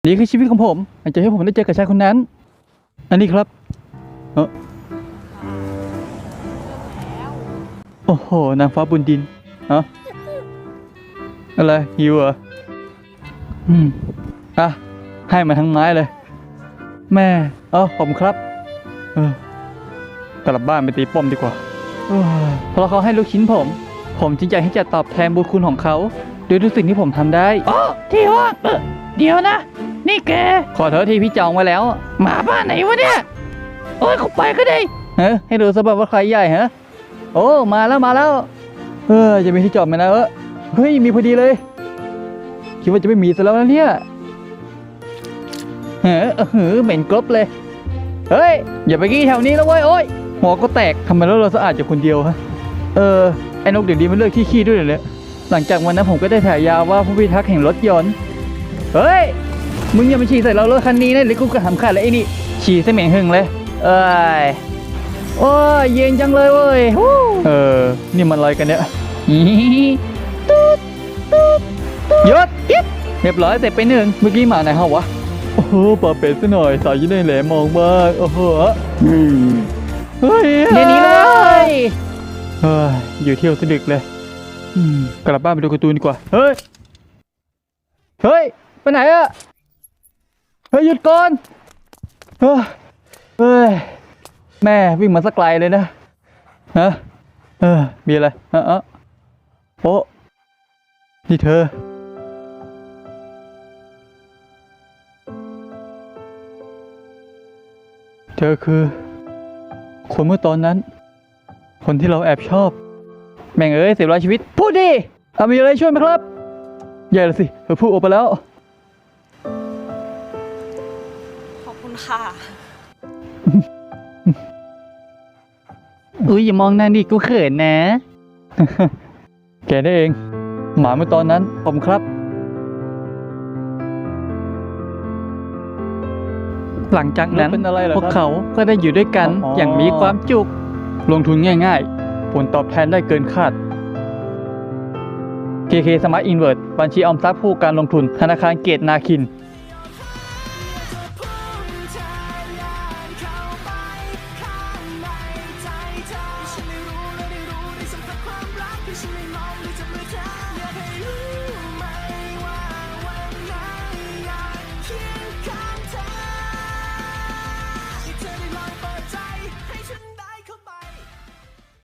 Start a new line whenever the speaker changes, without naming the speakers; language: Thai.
นี่คือชีวิตของผมหลังจากที่ผมได้เจอกับชายคนนั้นอันนี้ครับโอ้โหนางฟ้าบนดินอะไรหิวเหรออ่ะให้มาทั้งไม้เลยแม่ผมครับกลับบ้านไปตีป้อมดีกว่าเพราะเขาให้ลูกชิ้นผมจริงใจที่จะตอบแทนบุญคุณของเขาด้วยทุกสิ่งที่ผมทำได้ที่ว่างเดี๋ยวนะนี่แกขอโทษทีพี่จองไว้แล้วหมาบ้านไหนวะเนี่ยโอ้ยเขาไปก็ได้ให้ดูสบับว่าใครใหญ่โอ้มาแล้วจะมีที่จอดไหมนะเฮ้ยมีพอดีเลยคิดว่าจะไม่มีซะแล้วนะเนี่ยเหม็นกรบเลยเฮ้ยอย่าไปกี้แถวนี้แล้วเว้ยโอ้ยหัวก็แตกทำไมแล้วเราสะอาดจากคนเดียวฮะไอ้นกเดี๋ยวนี้มันเลิกขี้ด้วยเลยหลังจากวันนั้นผมก็ได้ถ่ายยาวว่าผู้พิทักษ์แห่งรถยนต์เฮ้ยมึงอย่ามาฉี่ใส่เรารถคันนี้นะหรือกูกระหำขาดเลยไอ้นี่ฉี่ใส่เหม็นหึงเลยโอ้ยเย็นจังเลยเว้ยนี่มันอะไรกันเนี่ยยศเรียบร้อยเสร็จไปหนึ่งเมื่อกี้มาไหนฮะวะโอ้โหปลาเป็ดซะหน่อยสายยืนได้แหลมมองมากโอ้โหเฮ้ยเดี๋ยวนี้เลยอยู่เที่ยวสะดึกเลยกลับบ้านไปดูการ์ตูนดีกว่าเฮ้ยไปไหนอะเฮ้ยหยุดก่อนเฮ้ยแม่วิ่งมาสักไกลเลยนะมีอะไรโอ้นี่เธอคือคนเมื่อตอนนั้นคนที่เราแอบชอบแม่ง10,000 ชีวิตพูดดิมีอะไรช่วยไหมครับใหญ่เลยสิเธอพูดออกไปแล้ว
ขอบคุณค่ะ
อย่ามองหน้าดิกูเขินนะ แกได้เองหมาเมื่อตอนนั้นผมครับหลังจากนั้นพวกเขาก็ได้อยู่ด้วยกันอย่างมีความสุขลงทุนง่ายๆผลตอบแทนได้เกินคาด KK Smart Invest บัญชีออมทรัพย์ผู้การลงทุนธนาคารเกตนาคิน